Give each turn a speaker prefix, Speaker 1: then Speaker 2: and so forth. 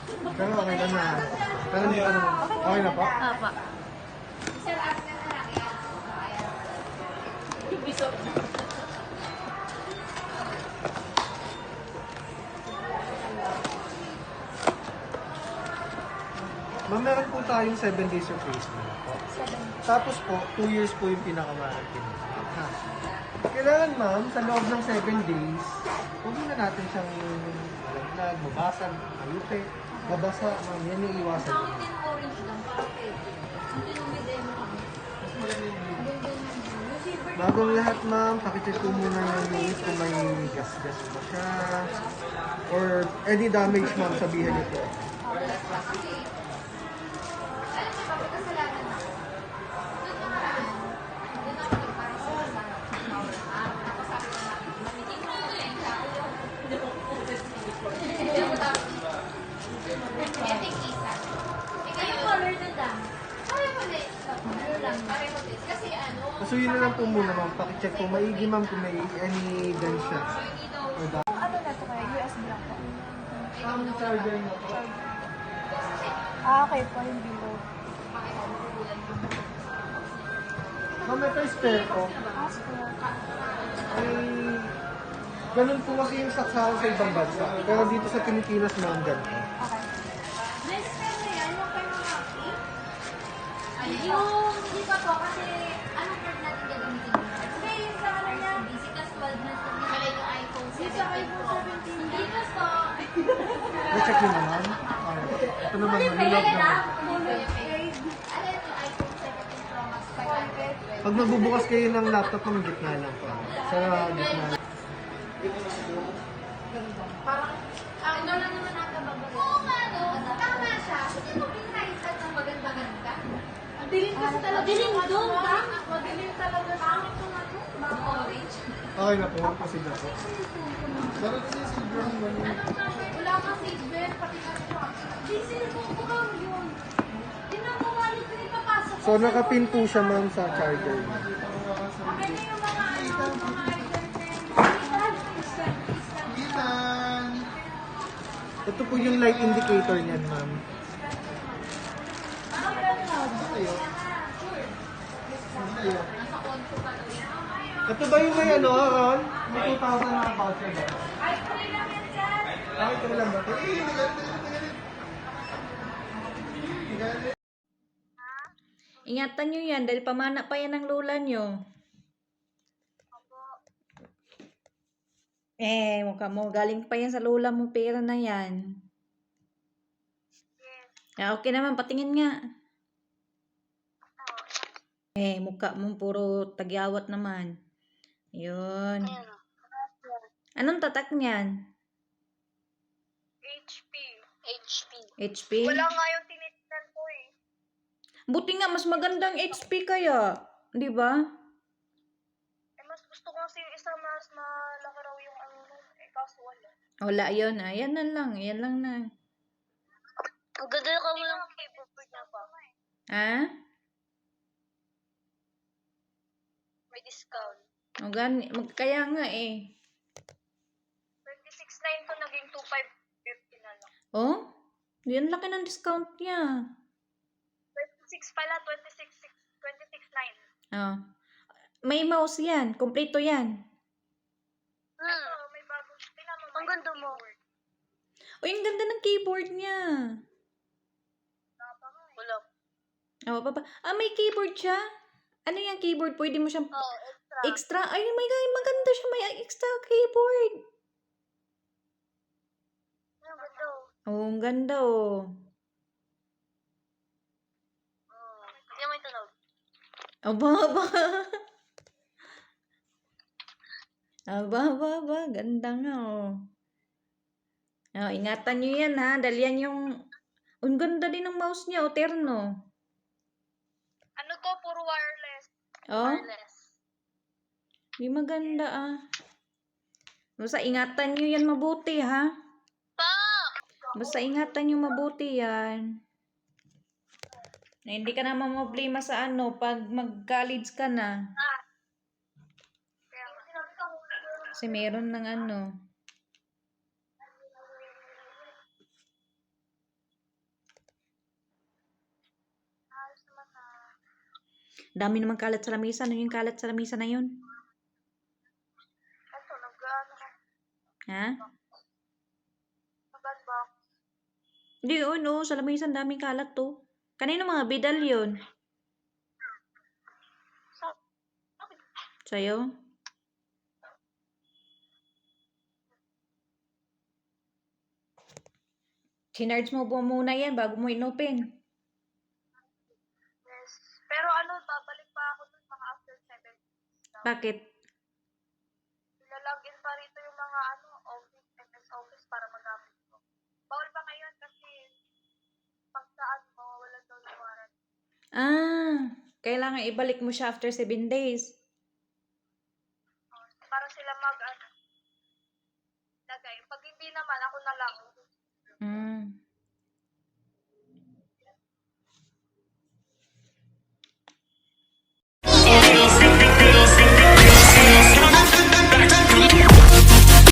Speaker 1: Pero okay na na. Pero hindi ano. Okay na po?
Speaker 2: Apa.
Speaker 1: Ma'am, meron po tayong 7 days replacement po. Tapos po, 2 years po yung pinaka-warranty nito. Ha? Kailangan ma'am, sa loob ng 7 days, huwag na natin siyang malaglag, mabasag, mayupi, mabasa, ma'am. Yan yung iwasan.
Speaker 2: Fountain orange lang, para pwede. Hindi yung may demo kami.
Speaker 1: Mas maganda yung
Speaker 2: Ganda ng blue. Yung silver na
Speaker 1: bagong lahat ma'am, pakicheck ko muna yung unit kung may gas-gas pa siya. Or any damage ma'am, sabihin nito. Pasuyin na lang po muna ma'am, pakicheck po maigi ma'am kung may any gunshot. Or
Speaker 3: Ano na ito kaya? USB lang po.
Speaker 1: charger na po.
Speaker 3: Okay po, yung below.
Speaker 1: Ma'am, ito spare po. Ay, ganun po kasi yung saksakan sa ibang bansa. Pero dito sa Pilipinas ma'am, ganito.
Speaker 3: Okay.
Speaker 2: Next time na yan, yung kay mga yung hindi pa po kasi anong card natin gagamitin mo? Hindi, yung sa ano niya. Basic as 12 months na pala yung iPhone 17 Pro. Hindi na po.
Speaker 1: Na-check nyo naman. Ito naman, malilog naman.
Speaker 2: Ano yung iPhone 17 Pro Max 500?
Speaker 1: Pag magbubukas kayo ng laptop, ng gitna lang po. Sa gitna lang.
Speaker 2: Parang, ino lang naman ata babago. Oo nga, no? Tama siya. Hindi mo pinahitad ng maganda-ganda. Madilim kasi talaga. Madilim doon, ba? Madilim talaga. Pangit ko nga doon. Bang orange.
Speaker 1: Okay na po, kasi na po. Pero kasi silver ang ganun.
Speaker 2: Wala kang silver, pati ka siya. Di, silver ko ka yun. Di na mo nga nito ipapasok.
Speaker 1: So, nakapin po siya ma'am sa charger.
Speaker 2: Okay na yung mga ano, mga item
Speaker 1: Ethan! Ito po yung light indicator niyan ma'am. Ito ba yung may ano, Ron? May 2,000 na voucher ba?
Speaker 2: Ay, tuloy lang yan dyan.
Speaker 1: Ay, ito lang ba?
Speaker 4: Ingatan nyo yan dahil pamana pa yan ng lola nyo. Mukha mo. Galing pa yan sa lola mo pera na yan. Okay naman. Patingin nga. Mukha mo puro tagyawat naman. Yun. Anong tatak niyan?
Speaker 3: HP.
Speaker 4: HP?
Speaker 3: Wala nga yung tinitignan ko eh.
Speaker 4: Buti nga mas magandang HP kaya. Di ba?
Speaker 3: Eh, mas gusto ko kasi yung isa mas malaki raw yung ano nun. Eh, kaso wala.
Speaker 4: Wala yun. Yan na lang. Yan lang na.
Speaker 3: Ang ganda ka mo lang keyboard niya pa.
Speaker 4: Ha?
Speaker 3: May discount.
Speaker 4: Kaya nga eh.
Speaker 3: 26.9 to naging 2,550 na lang.
Speaker 4: Oh? Yan laki ng discount niya.
Speaker 3: 26 pala, 26.9.
Speaker 4: Oh. May mouse yan. Kompleto yan.
Speaker 3: Ito, may bagong, tingnan mo. Ang ganda mo.
Speaker 4: O, yung ganda ng keyboard niya.
Speaker 3: Wala.
Speaker 4: Oh, papa. May keyboard siya? Ano yung keyboard? Pwede mo siyang
Speaker 3: Oh,
Speaker 4: extra. Ay, my God, maganda siya. May extra keyboard.
Speaker 3: Ang ganda.
Speaker 4: Oh, ang ganda oh.
Speaker 3: Tingnan mo yung tunog.
Speaker 4: Aba, aba. Aba. Ganda nga oh. Oh, ingatan nyo yan ha. Dahil yan yung... Ang ganda din ng mouse niya, oh, terno.
Speaker 3: Ano to? Puro wireless.
Speaker 4: Oh,
Speaker 3: Wireless.
Speaker 4: di maganda ah. Basta ingatan nyo yan mabuti ha.
Speaker 3: Pa!
Speaker 4: Basta ingatan nyo mabuti yan. Na hindi ka na problema sa ano pag mag-college ka na. Kasi meron ng ano. Dami naman kalat sa lamisa. Ano yung kalat sa lamisa na yun?
Speaker 3: Ito, nag-ano ka.
Speaker 4: Ha?
Speaker 3: Nag-unbox.
Speaker 4: Hindi, no. Sa lamisa, ang daming kalat to. Kanino mga bidal yun?
Speaker 3: So,
Speaker 4: Sa'yo? Chinarge mo po muna yan bago mo inopen.
Speaker 3: yes. Pero babalik pa ako dun mga after 7.
Speaker 4: Bakit?
Speaker 3: Ilalagin pa rito yung mga office, MS Office para magamit ko. Bawal pa ngayon kasi pag saan mawawalan daw ng warranty.
Speaker 4: Kailangan ibalik mo siya after 7 days.